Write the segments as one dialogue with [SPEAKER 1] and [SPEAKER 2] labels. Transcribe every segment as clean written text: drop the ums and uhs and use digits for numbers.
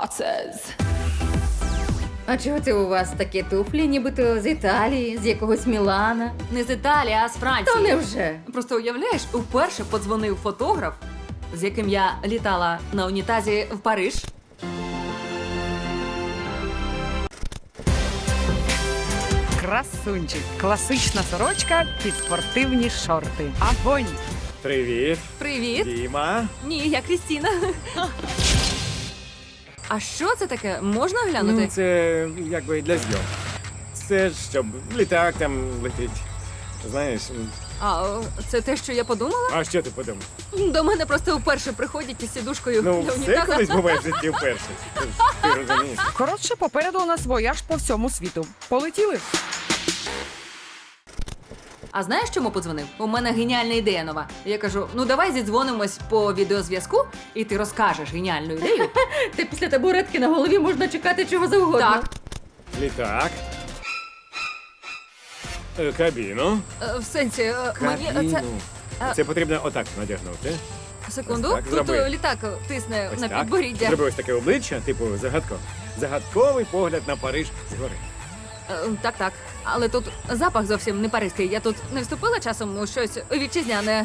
[SPEAKER 1] Waters.
[SPEAKER 2] А чого це у вас такі туфлі, нібито з Італії, з якогось Мілана?
[SPEAKER 3] Не з Італії, а з Франції.
[SPEAKER 2] То невже?
[SPEAKER 3] Просто уявляєш, вперше подзвонив фотограф, з яким я літала на унітазі в Париж.
[SPEAKER 4] Красунчик. Класична сорочка під спортивні шорти. Огонь!
[SPEAKER 5] Привіт,
[SPEAKER 3] Привіт.
[SPEAKER 5] Діма.
[SPEAKER 3] Ні, я Крістіна. А що це таке? Можна глянути?
[SPEAKER 5] Ну, це якби для зйом. Це ж щоб літак там летить. Знаєш,
[SPEAKER 3] А, це те, що я подумала?
[SPEAKER 5] а що ти подумав?
[SPEAKER 3] До мене просто вперше приходять із сідушкою
[SPEAKER 5] Ну,
[SPEAKER 3] для
[SPEAKER 5] все
[SPEAKER 3] унітаза.
[SPEAKER 5] колись буває в житті вперше. Ти розумієш?
[SPEAKER 4] Коротше, попереду у нас вояж по всьому світу. Полетіли?
[SPEAKER 3] А знаєш, чому подзвонив? У мене геніальна ідея нова. Я кажу, ну давай зідзвонимось по відеозв'язку, і ти розкажеш геніальну ідею.
[SPEAKER 2] Та після табуретки на голові можна чекати чого завгодно.
[SPEAKER 3] Так,
[SPEAKER 5] Літак. Кабіну.
[SPEAKER 3] в сенсі, мені це...
[SPEAKER 5] Кабіну. Це потрібно отак надягнути.
[SPEAKER 3] Секунду,
[SPEAKER 5] Ось так,
[SPEAKER 3] тут
[SPEAKER 5] зроби.
[SPEAKER 3] літак тисне
[SPEAKER 5] Ось
[SPEAKER 3] на
[SPEAKER 5] так.
[SPEAKER 3] підборіддя.
[SPEAKER 5] Зроби ось таке обличчя, типу загадкове. Загадковий погляд на Париж згори.
[SPEAKER 3] Так. Але тут запах зовсім не паризький. Я тут не вступила часом у щось вітчизняне.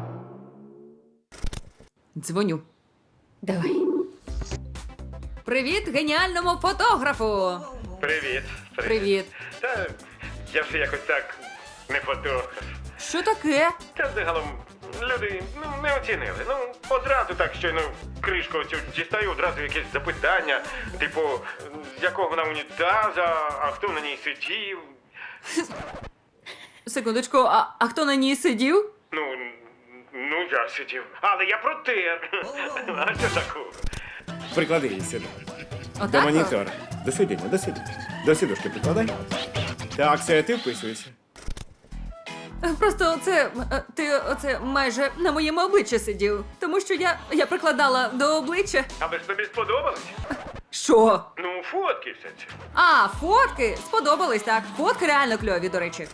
[SPEAKER 3] Дзвоню.
[SPEAKER 2] Давай.
[SPEAKER 3] Привіт геніальному фотографу!
[SPEAKER 6] Привіт.
[SPEAKER 3] Привіт.
[SPEAKER 6] Та я вже якось так не фотограф.
[SPEAKER 3] Що таке?
[SPEAKER 6] Та загалом люди не оцінили. Одразу так щойно кришку цю дістаю, одразу якесь запитання, типу, з якого вона унітаза, а хто на ній сидів.
[SPEAKER 3] Секундочку, а хто на ній сидів?
[SPEAKER 6] Ну я сидів. Але я протер. А що такого?
[SPEAKER 5] Приклади її сюди. До
[SPEAKER 3] Отак?
[SPEAKER 5] монітора. До сидіння, до сидіння. До сідушки прикладай. Так, все, ти вписуєшся.
[SPEAKER 3] Просто ти майже на моєму обличчі сидів. Тому що я прикладала до обличчя.
[SPEAKER 6] Аби ж тобі сподобалось?
[SPEAKER 3] Що?
[SPEAKER 6] Ну, фотки все це.
[SPEAKER 3] А, фотки? Сподобались, так. Фотки реально кльові, до речі.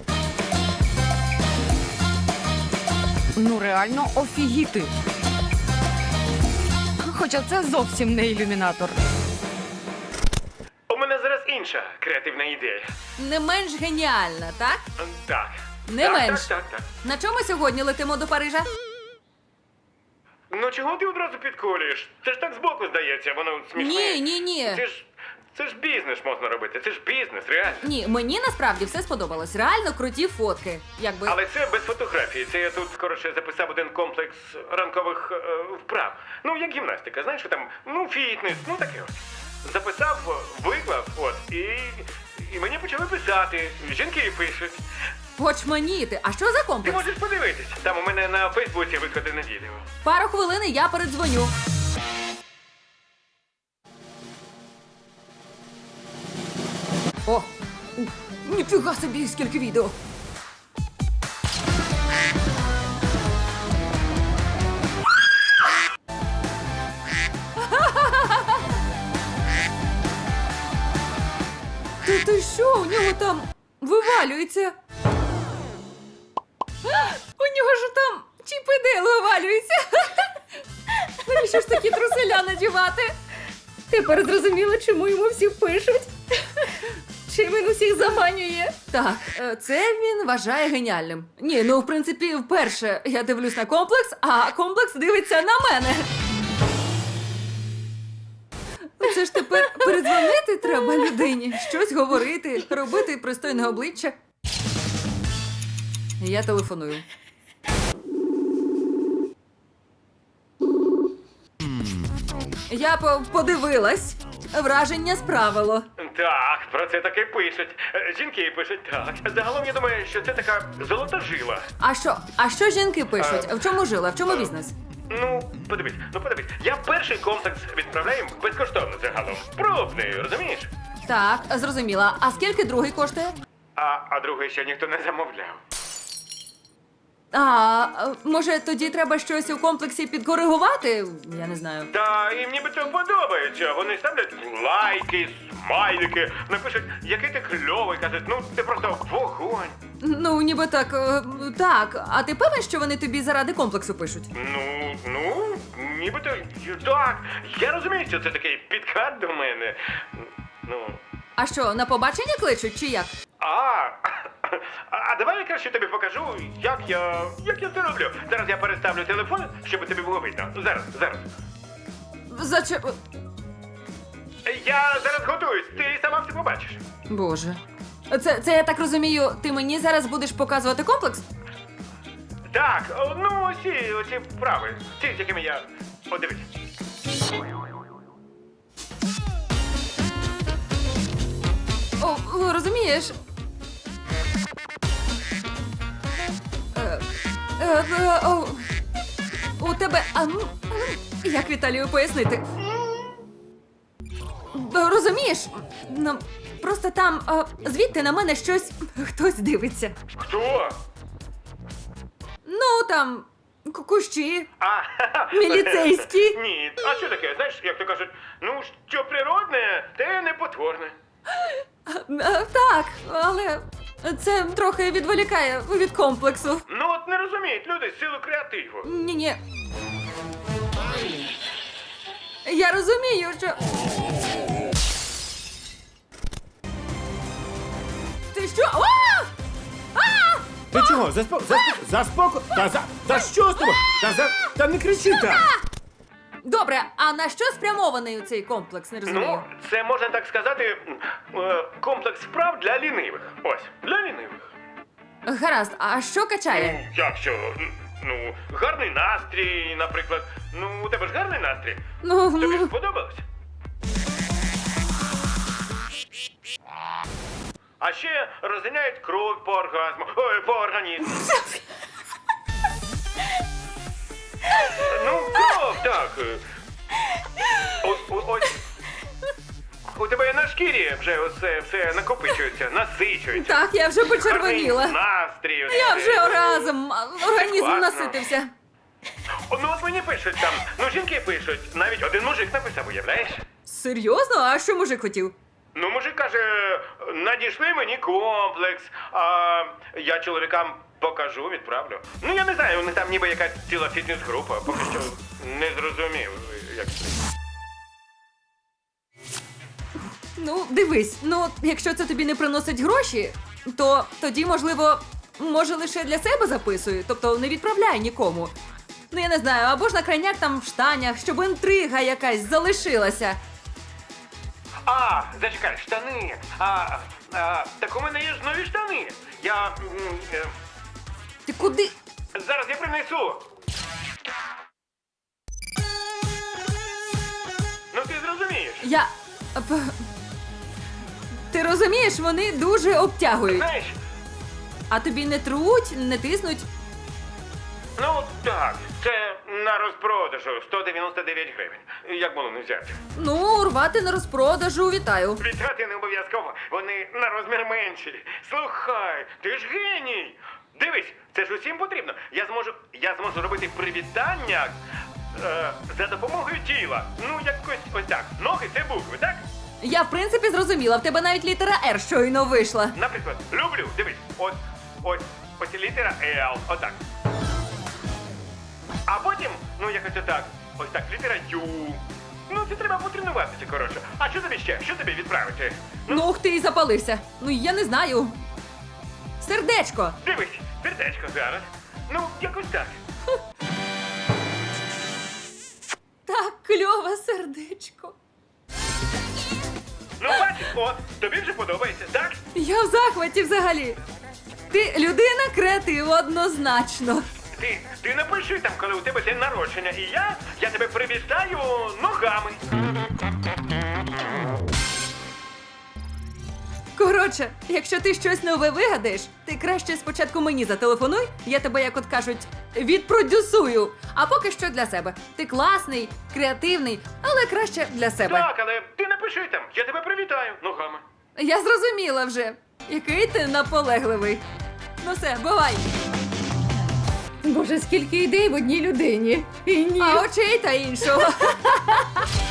[SPEAKER 4] Ну реально офігіти. Хоча це зовсім не ілюмінатор.
[SPEAKER 6] У мене зараз інша креативна ідея.
[SPEAKER 3] Не менш геніальна, так?
[SPEAKER 6] Так.
[SPEAKER 3] Не
[SPEAKER 6] так,
[SPEAKER 3] менш.
[SPEAKER 6] Так.
[SPEAKER 3] На чому сьогодні летимо до Парижа?
[SPEAKER 6] Ну чого ти одразу підколюєш? Це ж так збоку здається, воно смішне.
[SPEAKER 3] Ні.
[SPEAKER 6] Це ж бізнес можна робити, це ж бізнес, реально.
[SPEAKER 3] Ні, мені насправді все сподобалось. Реально круті фотки. Якби.
[SPEAKER 6] Але це без фотографії. Це я тут, коротше, записав один комплекс ранкових вправ. Ну, як гімнастика, знаєш, що там, фітнес, таке от. Записав, виклав, і мені почали писати. Жінки пишуть.
[SPEAKER 3] Очманіти. А що за
[SPEAKER 6] Ти
[SPEAKER 3] комплекс?
[SPEAKER 6] можеш подивитись. Там у мене на Фейсбуці викладене відео.
[SPEAKER 3] Пару хвилин і я передзвоню. О! Ніфіга собі, скільки відео! Ти що? У нього там вивалюється. У нього ж там чіпидел вивалюється. Навіщо ж такі труселя надівати?
[SPEAKER 2] Тепер зрозуміло, чому йому всі пишуть. Чим він усіх заманює.
[SPEAKER 3] Так, це він вважає геніальним. Ні, в принципі, вперше я дивлюсь на комплекс, а комплекс дивиться на мене. Це ж тепер передзвонити треба людині, щось говорити, робити пристойне обличчя. Я телефоную. Я подивилась. Враження справило.
[SPEAKER 6] Так, про це таки пишуть. Жінки пишуть так. Загалом я думаю, що це така золота жила.
[SPEAKER 3] А що жінки пишуть? В чому жила? В чому бізнес?
[SPEAKER 6] Подивись. Я перший комплекс відправляю безкоштовно загалом. Пробний, розумієш?
[SPEAKER 3] Так, зрозуміла. А скільки другий коштує?
[SPEAKER 6] А другий ще ніхто не замовляв.
[SPEAKER 3] Може, тоді треба щось у комплексі підкоригувати? Я не знаю.
[SPEAKER 6] Та їм нібито подобається. Вони ставлять лайки, смайлики, напишуть, який ти кльовий, кажуть, ну ти просто вогонь.
[SPEAKER 3] Ну, ніби так, так. А ти певен, що вони тобі заради комплексу пишуть?
[SPEAKER 6] Ну, нібито так. Я розумію, що це такий підкат до мене. Ну.
[SPEAKER 3] А що, на побачення кличуть чи як?
[SPEAKER 6] А давай я краще тобі покажу, як я це роблю. Зараз я переставлю телефон, щоб тобі було видно. Зараз. Я зараз готуюсь, ти сама все побачиш.
[SPEAKER 3] Боже. Це я так розумію, ти мені зараз будеш показувати комплекс?
[SPEAKER 6] Так, ну оці вправи, ті, з якими я... О, дивись.
[SPEAKER 3] Розумієш? У тебе. Як Віталію пояснити? Розумієш? Ну, просто там звідти на мене хтось дивиться.
[SPEAKER 6] Хто?
[SPEAKER 3] Ну там кущі.
[SPEAKER 6] А,
[SPEAKER 3] Міліцейські.
[SPEAKER 6] Ні, а що таке? Знаєш, як то кажуть, ну, що природне, те непотворне.
[SPEAKER 3] Так, але це трохи відволікає від комплексу.
[SPEAKER 6] Ну от не розуміють люди силу креативу.
[SPEAKER 3] Ні. Я розумію, що. Ти що?
[SPEAKER 5] Ти чого? Заспоко? Та що з тобою? Та не кричи так!
[SPEAKER 3] Добре, а на що спрямований цей комплекс? Не розумію.
[SPEAKER 6] Ну, це можна так сказати, комплекс вправ для лінивих. Ось, для лінивих.
[SPEAKER 3] Гаразд, а що качає?
[SPEAKER 6] Як що? Ну, гарний настрій, наприклад. Ну, у тебе ж гарний настрій. Тобі ж сподобалось? А ще розганяють кров по оргазму. Ой, по організму. Ну, кров, так. Ось. У тебе на шкірі вже все накопичується, насичується.
[SPEAKER 3] Так, я вже почервоніла.
[SPEAKER 6] Гарний настрій.
[SPEAKER 3] Я вже організм
[SPEAKER 6] Класно.
[SPEAKER 3] наситився.
[SPEAKER 6] Ну от мені пишуть там, ну жінки пишуть, навіть один мужик написав, уявляєш?
[SPEAKER 3] Серйозно? А що мужик хотів?
[SPEAKER 6] Ну, мужик каже, надійшли мені комплекс, а я чоловікам покажу, відправлю. Ну, я не знаю, у них там ніби якась ціла фітнес-група, поки що не зрозумів, як це.
[SPEAKER 3] Ну, дивись, якщо це тобі не приносить гроші, то тоді, можливо, може лише для себе записую, тобто не відправляй нікому. Ну, я не знаю, або ж на крайняк там в штанях, щоб інтрига якась залишилася.
[SPEAKER 6] А, зачекай, штани. Так у мене є ж нові штани.
[SPEAKER 3] Ти куди?
[SPEAKER 6] Зараз я принесу. Ну ти зрозумієш.
[SPEAKER 3] Ти розумієш, вони дуже обтягують.
[SPEAKER 6] Знаєш,
[SPEAKER 3] А тобі не труть, не тиснуть?
[SPEAKER 6] ну так, це на розпродажу 199 гривень. Як було не взяти?
[SPEAKER 3] Ну, рвати на розпродажу, вітаю.
[SPEAKER 6] Вітати не обов'язково, вони на розмір менші. Слухай, ти ж геній! Дивись, це ж усім потрібно. Я зможу робити привітання за допомогою тіла. Ну, якось ось так. Ноги це букви, так?
[SPEAKER 3] Я, в принципі, зрозуміла, в тебе навіть літера «Р» щойно вийшла.
[SPEAKER 6] Наприклад, люблю, дивись, ось літера L, отак. А потім, ну якось отак, ось так, літера Ю. Ну, це треба потренуватися, коротше. А що тобі ще? Що тобі відправити?
[SPEAKER 3] Ну, ух ти, і запалився. Ну, я не знаю. Сердечко.
[SPEAKER 6] Дивись, сердечко зараз. Ну, якось так.
[SPEAKER 3] Так, кльове сердечко.
[SPEAKER 6] Ну, бачиш, от, тобі вже подобається, так?
[SPEAKER 3] Я в захваті взагалі. Ти людина креатив однозначно.
[SPEAKER 6] Ти напиши там, коли у тебе день народження, і я тебе привітаю ногами.
[SPEAKER 3] Коротше, якщо ти щось нове вигадаєш, ти краще спочатку мені зателефонуй, я тебе, як от кажуть, відпродюсую. А поки що для себе. Ти класний, креативний, але краще для себе.
[SPEAKER 6] Так, але ти напиши там, я тебе привітаю ногами.
[SPEAKER 3] Я зрозуміла вже, який ти наполегливий. Ну все, бувай.
[SPEAKER 2] Боже, скільки ідей в одній людині. І ні.
[SPEAKER 3] А очей та іншого.